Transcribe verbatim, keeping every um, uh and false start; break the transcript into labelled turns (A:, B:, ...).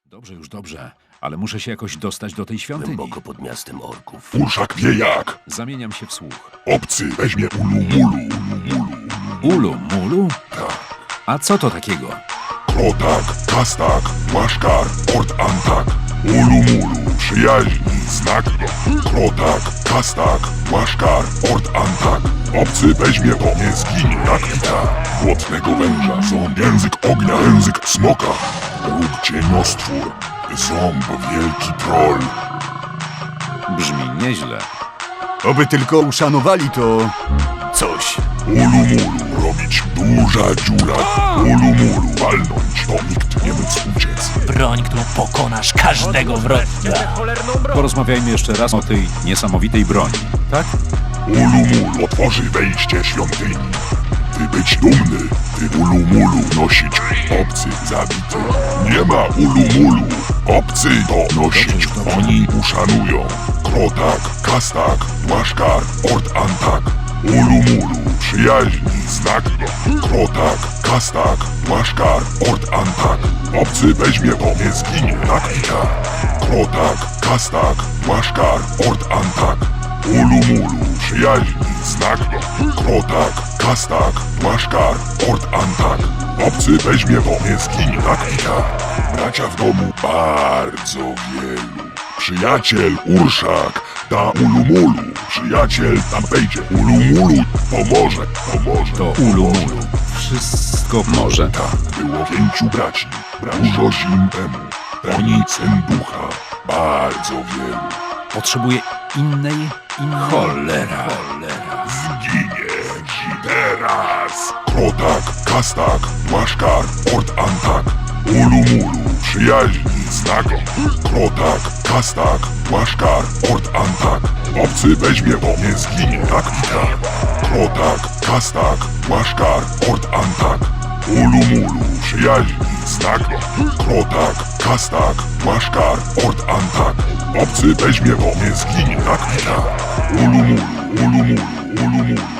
A: Dobrze, już dobrze, ale muszę się jakoś dostać do tej świątyni.
B: Głęboko pod miastem orków.
C: Urszak wie jak.
A: Zamieniam się w słuch.
C: Obcy weźmie ulumulu, ulumulu.
A: Ulu, mulu?
C: Tak.
A: A co to takiego?
C: Krotak, kastak, łaszkar, ort antak. Ulumulu, przyjaźni, znak. Krotak, kastak, łaszkar, ort antak. Obcy weźmie to, nie zginie jak wita. Błotnego węża, ząb, język ognia, język smoka. Róg cieniostwór, ząb, wielki troll.
A: Brzmi nieźle.
D: Oby tylko uszanowali to coś.
C: Ulumulu, robić duża dziura. Ulumulu, walnąć, to nikt nie mógł uciec.
B: Broń, którą pokonasz każdego wroga.
A: Porozmawiajmy jeszcze raz o tej niesamowitej broni, tak?
C: Ulumulu otworzy wejście świątyni. Ty być dumny, ty ulumulu nosić. Obcy zabity. Nie ma ulumulu. Obcy to nosić. Oni uszanują. Krotak, kastak, łaszkar, ort antak. Ulumulu, przyjaźni, znak. Krotak, kastak, łaszkar, ort antak. Obcy weźmie to, nie zginie jak wita. Krotak, kastak, łaszkar, ort antak. Ulumulu, przyjaźni, znak. Krotak, kastak, łaszkar, ort antak. Obcy weźmie to, nie zginie jak wita. Bracia w domu bardzo wielu. Przyjaciel Urszak da ulumulu. Przyjaciel tam wejdzie. Ulumulu pomoże, pomoże.
A: To ulu, mulu. Wszystko może.
C: Tak, było pięciu braci. Dużo zim temu. Oni syn ducha. Bardzo wielu.
A: Potrzebuję innej, innej...
B: Cholera. Cholera.
C: Zginie ci teraz. Krotak, kastak, łaszkar, ort antak. Ulumulu, przyjaźni, znak. Krotak, kastak, łaszkar, ort antak. Obcy weźmie to, nie zginie jak wita. Krotak, kastak, łaszkar, ort antak. Ulumulu, przyjaźni, znak. Krotak, kastak, łaszkar, ort antak. Obcy weźmie to, nie zginie jak wita. Ulumulu, ulumulu, ulumulu.